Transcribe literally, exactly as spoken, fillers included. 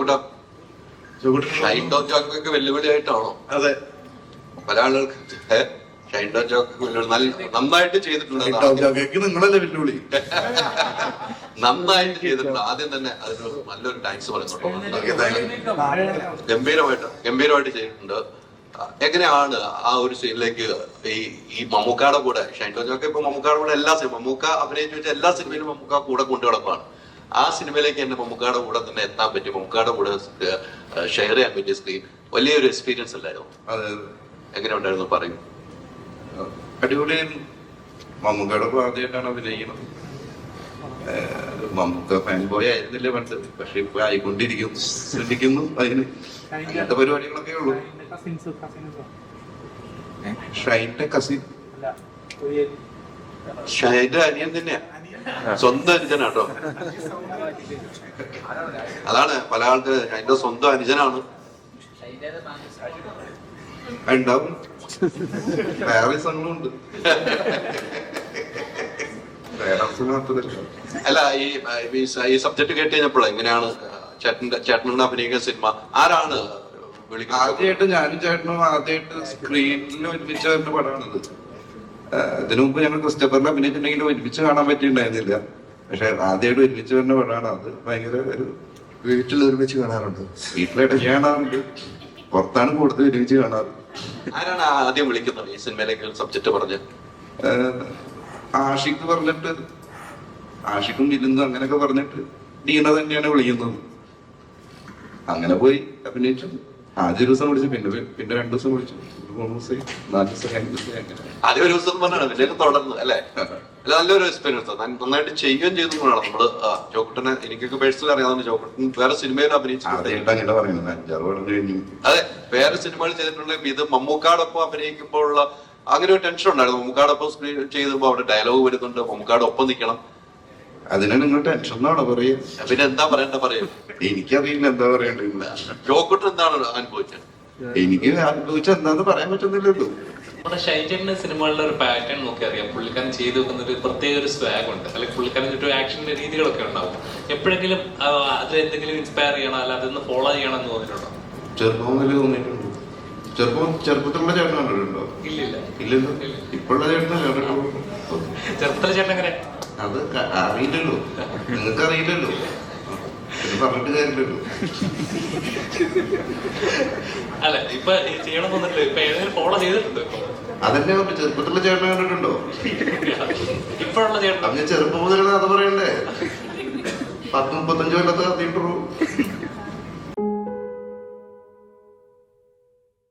ചോക്കൂട്ട Shine Tom ജോക്കൊക്കെ വെല്ലുവിളിയായിട്ടാണോ? അതെ, പല ആളുകൾക്ക് ഷൈൻ ടോം ജോക്കൊക്കെ വെല്ലുവിളി നല്ല നന്നായിട്ട് ചെയ്തിട്ടുണ്ട്. നിങ്ങളല്ലേ വെല്ലുവിളി? നന്നായിട്ട് ചെയ്തിട്ടുണ്ട്. ആദ്യം തന്നെ അതിനൊരു നല്ലൊരു താങ്ക്സ് പറയുന്നുണ്ട്. ഗംഭീരമായിട്ട് ഗംഭീരമായിട്ട് ചെയ്തിട്ടുണ്ട്. എങ്ങനെയാണ് ആ ഒരു സീനിലേക്ക് ഈ ഈ മമ്മൂക്കയുടെ കൂടെ ഷൈൻ ടോം ജോക്ക് ഇപ്പൊ മമ്മൂക്കയുടെ കൂടെ എല്ലാ സിനിമ മമ്മൂക്ക അഭിനയിച്ചു വെച്ചാൽ എല്ലാ സിനിമയിലും മമ്മൂക്ക കൂടെ കൊണ്ടു കിടപ്പാണ്. ആ സിനിമയിലേക്ക് എന്നെ മമ്മൂക്കയുടെ കൂടെ തന്നെ എത്താൻ പറ്റി, മമ്മൂക്കയുടെ കൂടെ ഷെയർ ചെയ്യാൻ പറ്റിയ സ്ക്രീൻ വലിയൊരു എക്സ്പീരിയൻസ് അല്ലായിരുന്നു? എങ്ങനെ ഉണ്ടായിരുന്നു പറയും? അടിപൊളിയായിരുന്നു. മമ്മൂക്കയുടെ ആദ്യമായിട്ടാണ് അഭിനയിക്കുന്നത്. മമ്മൂക്ക ഫാൻ ബോയ് ആയിരുന്നില്ല പണ്ട്, പക്ഷെ ഇപ്പൊ ആയിക്കൊണ്ടിരിക്കുന്നു. ശ്രദ്ധിക്കുന്നു അതിന് അങ്ങനത്തെ പരിപാടികളൊക്കെ ഉള്ളു. ഷൈന്റെ കസിൻ, ഷൈന്റെ അനിയൻ തന്നെയാ, സ്വന്തം അനുജനാട്ടോ. അതാണ് പല ആൾക്ക് ഷൈന്റെ സ്വന്തം അനുജനാണ്. ഉണ്ടാവും, വേറെ സംഘങ്ങളുണ്ട്. അല്ല, ഈ ഈ സബ്ജക്ട് കേട്ട് കഴിഞ്ഞപ്പോൾ എങ്ങനെയാണ് ചേട്ടന്റെ ചേട്ടനോട് അഭിനയിക്കുന്ന സിനിമ ആരാണ് വിളിക്കുന്നത്? ആദ്യമായിട്ട് ഞാനും ചേട്ടനും ആദ്യമായിട്ട് സ്ക്രീനിൽ ഒരുമിച്ച് വരുന്ന പടമാണിത്. ഇതിനു മുമ്പ് ഞങ്ങൾ ക്രിസ്റ്റഫറിൽ അഭിനയിച്ചിട്ടുണ്ടെങ്കിലും ഒരുമിച്ച് കാണാൻ പറ്റിയിട്ടുണ്ടായിരുന്നില്ല. പക്ഷെ ആദ്യമായിട്ട് ഒരുമിച്ച് വരുന്ന പടമാണ് അത്. ഭയങ്കര ഒരു വീട്ടിൽ ഒരുമിച്ച് കാണാറുണ്ട്, വീട്ടിലിടയ്ക്ക് കാണാറുണ്ട്, പുറത്താണ് കൂടുതൽ ഒരുമിച്ച് കാണാറ്. ആരാണ് ആദ്യം വിളിക്കുന്നത് ഈ സിനിമയിലേക്ക് സബ്ജക്ട് പറഞ്ഞ്? ആഷിക്ക് പറഞ്ഞിട്ട്, ആഷിക്കും വിരുന്നും അങ്ങനെയൊക്കെ പറഞ്ഞിട്ട് ഡീന തന്നെയാണ് വിളിക്കുന്നത്. അങ്ങനെ പോയി അഭിനയിച്ചു. ആദ്യ ദിവസം വിളിച്ചു, പിന്നെ പിന്നെ രണ്ടു ദിവസം വിളിച്ചു, മൂന്ന് ദിവസം, നാല് ദിവസം, അഞ്ച് ദിവസം, അങ്ങനെ. ആദ്യം ഒരു ദിവസം പറഞ്ഞാണ് പിന്നെ തുടർന്ന് അല്ലേ? അല്ല, നല്ലൊരു എക്സ്പീരിയൻസ്, നന്നായിട്ട് ചെയ്യുകയും ചെയ്തു വേണം നമ്മള്. ജോക്കുട്ടനെ എനിക്കൊക്കെ പേഴ്സണലി അറിയാവുന്ന, ജോക്കുട്ടൻ വേറെ സിനിമയിൽ അഭിനയിച്ചു. അതെ, വേറെ സിനിമകൾ ചെയ്തിട്ടുണ്ടെങ്കിൽ ഇത് മമ്മൂക്കാടൊപ്പം അഭിനയിക്കുമ്പോഴുള്ള അങ്ങനെ ഒരു ടെൻഷൻ ഉണ്ടായിരുന്നു. മമ്മൂക്കാടൊപ്പം സ്ക്രീൻ ചെയ്തപ്പോ അവിടെ ഡയലോഗ് വരുന്നുണ്ട്, മമ്മൂക്കാട് ഒപ്പം നിൽക്കണം. അതിനെ നിങ്ങൾ ടെൻഷൻ എന്നാണോ പറയും? പിന്നെ എന്താ പറയണ്ട പറയും? എനിക്കറിയില്ല എന്താ പറയണ്ടില്ല. ജോക്കുട്ടൻ എന്താണ് അനുഭവിച്ചത്? എനിക്ക് അനുഭവിച്ച എന്താന്ന് പറയാൻ പറ്റുന്നില്ലല്ലോ. നമ്മുടെ ഷൈജന്റെ സിനിമകളിലെ ഒരു പാറ്റേൺ നോക്കി അറിയാം. പുള്ളിക്കാരൻ ചെയ്തു വെക്കുന്ന ഒരു പ്രത്യേക ഒരു സ്വാഗ് ഉണ്ട്, അല്ലെങ്കിൽ പുള്ളിക്കാരൻ ചുറ്റും ആക്ഷന്റെ രീതികളൊക്കെ ഉണ്ടാവും. എപ്പോഴെങ്കിലും അത് എന്തെങ്കിലും ഇൻസ്പയർ ചെയ്യണം, അല്ല അതൊന്ന് ഫോളോ ചെയ്യണം എന്ന് തോന്നിയിട്ടുണ്ടോ? ചെറുപ്പം മുതൽ തോന്നിയിട്ടുണ്ട്. ചെറുപ്പം ചെറുപ്പത്തിലുള്ള ചേട്ടൻ കണ്ടിട്ടുണ്ടോ? ഇല്ലില്ല. ഇല്ലല്ലോ, ഇപ്പോഴുള്ള ചേട്ടനെ കണ്ടിട്ടുള്ളൂ. ചെറുപ്പത്തിലെ ചേട്ടൻ എങ്ങനെ? അത് അറിയില്ലല്ലോ, നിങ്ങൾക്ക് അറിയില്ലല്ലോ, പറഞ്ഞിട്ട് കാര്യമില്ലല്ലോ. അല്ല, ഇപ്പൊ ചെയ്യണം തോന്നിട്ടില്ല, ഇപ്പൊ ഏതെങ്കിലും ഫോളോ ചെയ്തിട്ടുണ്ടോ? അതന്നെ ചെറുപ്പത്തിലുള്ള ചേട്ടനെ കണ്ടിട്ടുണ്ടോ? ഇപ്പോഴുള്ള ചേട്ടൻ അത് ഞാൻ ചെറുപ്പം മുതലുള്ള കഥ പറയണ്ടേ? പത്ത് മുപ്പത്തഞ്ചു കൊല്ലത്തെ കഥയിട്ടുള്ളൂ.